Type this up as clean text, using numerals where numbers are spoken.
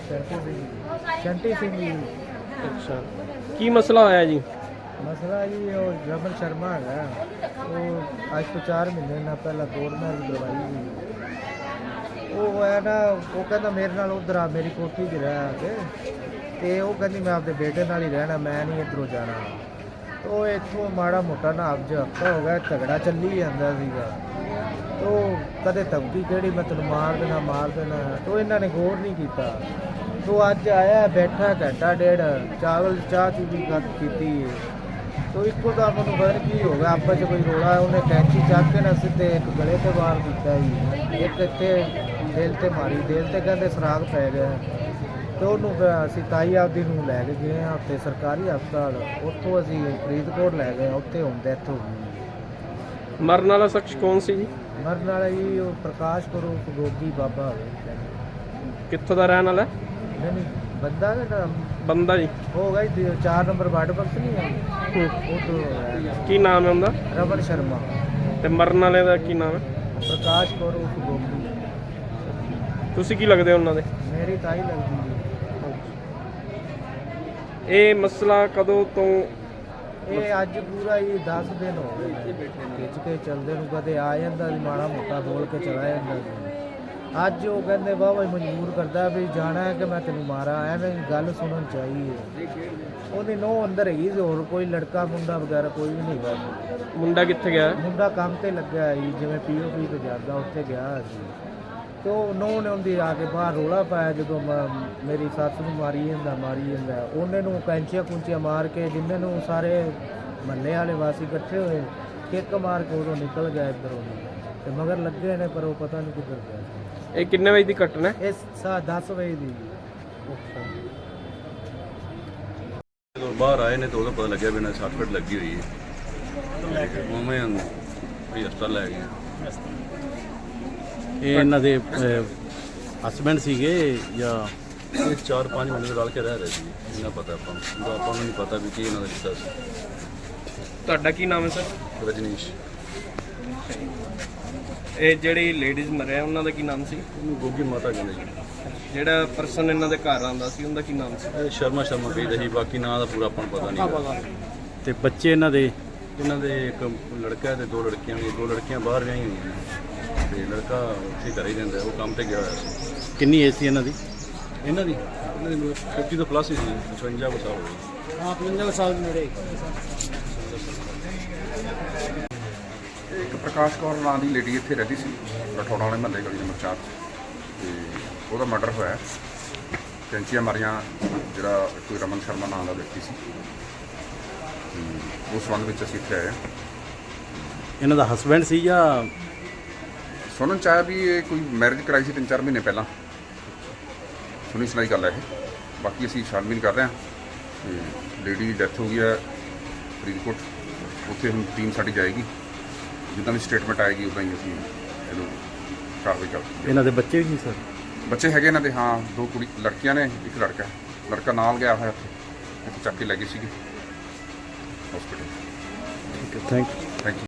शंटी सिंह जी। अच्छा की मसला होया जी? मसला जी वो रमन शर्मा है, वो आज तो 4 महीने ना पहला दौड़ना की दवाई सी। वो है ना, वो कहता मेरे नाल उधर आ मेरी कोठी च रह के, ते वो कहती मैं आपके बेटे नाल ही रहना, मैं नहीं इधरों जाना। तो इत्थों माड़ा मोटा ना अब हफ्ता हो गया झगड़ा चली जाता सीगा। तो कदे धमकी किहड़ी मैं तेन मार देना, तो इन्होंने गौर नहीं किया। तो अज आया बैठा घंटा डेढ़ चावल चाह चू भी की। तो इको तो मैं पता नहीं की हो गया, आपस च कोई रोला, उन्हें कैंची चक के ना सीधे एक गले ते वार दिता जी, एक इत्थे दिल ते मारी, दिल ते कहते सराग पै गया। तो उन्होंने असी ताई आपदी नूं लै के गए उत्ते सरकारी हस्पताल, उत्थों असी फरीदकोट लै गए, उत्थे हुण डैथ हो गई। मरने वाला शख्स कौन सी जी? मरन वाला जी वो प्रकाश करो गोगी बाबा होवे। कित्थों दा रहने वाला? नहीं बंदा का नाम बंदा जी होगा जी 4 नंबर वार्ड बक्स नहीं है वो तो की नाम है उनका? रमन शर्मा। ते मरन वाले दा की नाम है? प्रकाश कौर उस गोगी। तुसी की लगदे हो उन्हां दे? मेरी ताई लगती जी। ਇਹ ਮਸਲਾ ਕਦੋਂ ਤੋਂ? ਇਹ ਅੱਜ ਪੂਰਾ ਹੀ 10 ਦਿਨ ਹੋ ਗਏ ਖਿੱਚ ਕੇ ਚੱਲਦੇ ਨੂੰ, ਕਦੇ ਆ ਜਾਂਦਾ ਸੀ ਮਾੜਾ ਮੋਟਾ ਬੋਲ ਕੇ ਚਲਾ ਜਾਂਦਾ ਸੀ। ਅੱਜ ਉਹ ਕਹਿੰਦੇ ਬਾਬਾ ਮਜਬੂਰ ਕਰਦਾ ਵੀ ਜਾਣਾ ਹੈ ਕਿ ਮੈਂ ਤੈਨੂੰ ਮਾਰਾਂ, ਐਵੇਂ ਗੱਲ ਸੁਣਨ ਚਾਹੀਏ। ਉਹਦੀ ਨਹੁੰ ਅੰਦਰ ਹੈਗੀ ਸੀ, ਹੋਰ ਕੋਈ ਲੜਕਾ ਮੁੰਡਾ ਵਗੈਰਾ ਕੋਈ ਵੀ ਨਹੀਂ ਹੈਗਾ। ਮੁੰਡਾ ਕਿੱਥੇ ਗਿਆ? ਮੁੰਡਾ ਕੰਮ ਤੇ ਲੱਗਿਆ ਜੀ, ਜਿਵੇਂ POP ਤੇ ਜਾਂਦਾ ਉੱਥੇ ਗਿਆ ਸੀ। तो उन्होंने उनकी आके बाहर रोला पाया जो मेरी सस नूं मारी ਜਾਂਦਾ उन्हें कैंचियां कुंचियां मार के जिन्हें सारे महल्ले वाले वासी इकट्ठे हुए किक मार के उदों निकल गया इधरों, तो मगर लगे ने पर वो पता नहीं किधर गया। ये किन्ने बजे की घटना है? इस 10 बजे की। ਜਦੋਂ ਬਾਹਰ ਆਏ ਨੇ ਤਾਂ ਉਦੋਂ ਪਤਾ ਲੱਗਿਆ ਵੀ ਇਹਨਾਂ 60 ਫੁੱਟ ਲੱਗੀ ਹੋਈ ਹੈ, ਉਵੇਂ ਵੀ ਹਸਪਤਾਲ ਲੈ ਗਏ। ਇਹ ਇਹਨਾਂ ਦੇ ਹਸਬੈਂਡ ਸੀਗੇ ਜਾਂ ਇਹ 4-5 ਮਹੀਨੇ ਰਲ ਕੇ ਰਹਿ ਰਹੇ ਸੀ, ਇਹਨਾਂ ਪਤਾ ਆਪਾਂ ਨੂੰ ਨਹੀਂ ਪਤਾ ਵੀ ਕੀ ਇਹਨਾਂ ਦਾ ਰਿਸ਼ਤਾ ਸੀ। ਤੁਹਾਡਾ ਕੀ ਨਾਮ ਹੈ ਸਰ? ਰਜਨੀਸ਼। ਇਹ ਜਿਹੜੀ ਲੇਡੀਜ਼ ਮਰਿਆ ਉਹਨਾਂ ਦਾ ਕੀ ਨਾਮ ਸੀ? ਉਹਨੂੰ ਗੋਗੀ ਮਾਤਾ ਕਹਿੰਦੇ ਜੀ। ਜਿਹੜਾ ਪਰਸਨ ਇਹਨਾਂ ਦੇ ਘਰ ਆਉਂਦਾ ਸੀ ਉਹਦਾ ਕੀ ਨਾਮ ਸੀ? ਇਹ ਸ਼ਰਮਾ ਕਹਿੰਦੇ ਸੀ, ਬਾਕੀ ਨਾਂ ਦਾ ਪੂਰਾ ਆਪਾਂ ਨੂੰ ਪਤਾ ਨਹੀਂ। ਤੇ ਬੱਚੇ ਇਹਨਾਂ ਦੇ ਇੱਕ ਲੜਕਾ ਤੇ 2 ਲੜਕੀਆਂ ਨੇ, 2 ਲੜਕੀਆਂ ਬਾਹਰ ਵਿਆਹੀਆਂ ਹੋਈਆਂ ਨੇ ਤੇ ਲੜਕਾ ਉੱਥੇ ਘਰੇ ਹੀ ਰਹਿੰਦਾ, ਉਹ ਕੰਮ ਤੇ ਗਿਆ ਹੋਇਆ ਸੀ। ਕਿੰਨੀ ਏਜ ਸੀ ਇਹਨਾਂ ਦੀ? ਇਹਨਾਂ ਦੀ 50 ਤੋਂ ਪਲੱਸ ਹੀ ਸੀ, 55 ਸਾਲ ਹੋ ਗਏ। हाँ 55 साल मेरे। ਇੱਕ ਪ੍ਰਕਾਸ਼ ਕੌਰ ਨਾਂ ਦੀ ਲੇਡੀ ਇੱਥੇ ਰਹਿੰਦੀ ਸੀ ਰਠੌੜਾ ਵਾਲੇ ਮਹੱਲੇ ਗਲੀ ਨੰਬਰ 4 ਤੇ ਉਹਦਾ ਮਰਡਰ ਹੋਇਆ, ਕੈਂਚੀਆਂ ਮਾਰੀਆਂ, ਜਿਹੜਾ ਕੋਈ ਰਮਨ ਸ਼ਰਮਾ ਨਾਂ ਦਾ ਵਿਅਕਤੀ ਸੀ। ਉਸ ਸੰਬੰਧ ਵਿੱਚ ਅਸੀਂ ਇੱਥੇ ਆਏ ਹਾਂ। ਇਹਨਾਂ ਦਾ ਹਸਬੈਂਡ ਸੀ ਜਾਂ ਸੁਣਨ ਚ ਆਇਆ ਵੀ ਇਹ ਕੋਈ ਮੈਰਿਜ ਕਰਾਈ ਸੀ 3-4 ਮਹੀਨੇ ਪਹਿਲਾਂ, ਸੁਣੀ ਸੁਣਾਈ ਗੱਲ ਹੈ ਇਹ। ਬਾਕੀ ਅਸੀਂ ਛਾਣਬੀਨ ਕਰ ਰਹੇ ਹਾਂ ਤੇ ਲੇਡੀ ਦੀ ਡੈਥ ਹੋ ਗਈ ਹੈ ਫਰੀਦਕੋਟ, ਉੱਥੇ ਹੁਣ ਟੀਮ ਸਾਡੀ ਜਾਏਗੀ, ਜਿੱਦਾਂ ਵੀ ਸਟੇਟਮੈਂਟ ਆਏਗੀ ਉੱਦਾਂ ਹੀ ਅਸੀਂ ਇਹਨੂੰ ਕਾਰਵਾਈ ਕਰਾਂਗੇ। ਇਹਨਾਂ ਦੇ ਬੱਚੇ ਵੀ ਸੀ ਸਰ? ਬੱਚੇ ਹੈਗੇ ਇਹਨਾਂ ਦੇ, ਹਾਂ 2 ਲੜਕੀਆਂ ਨੇ, ਇੱਕ ਲੜਕਾ ਨਾਲ ਗਿਆ ਹੋਇਆ ਉੱਥੇ ਚੱਕ ਕੇ ਲੈ ਗਏ ਸੀਗੇ ਹਸਪੀਟਲ। ਠੀਕ ਹੈ, ਥੈਂਕ ਯੂ।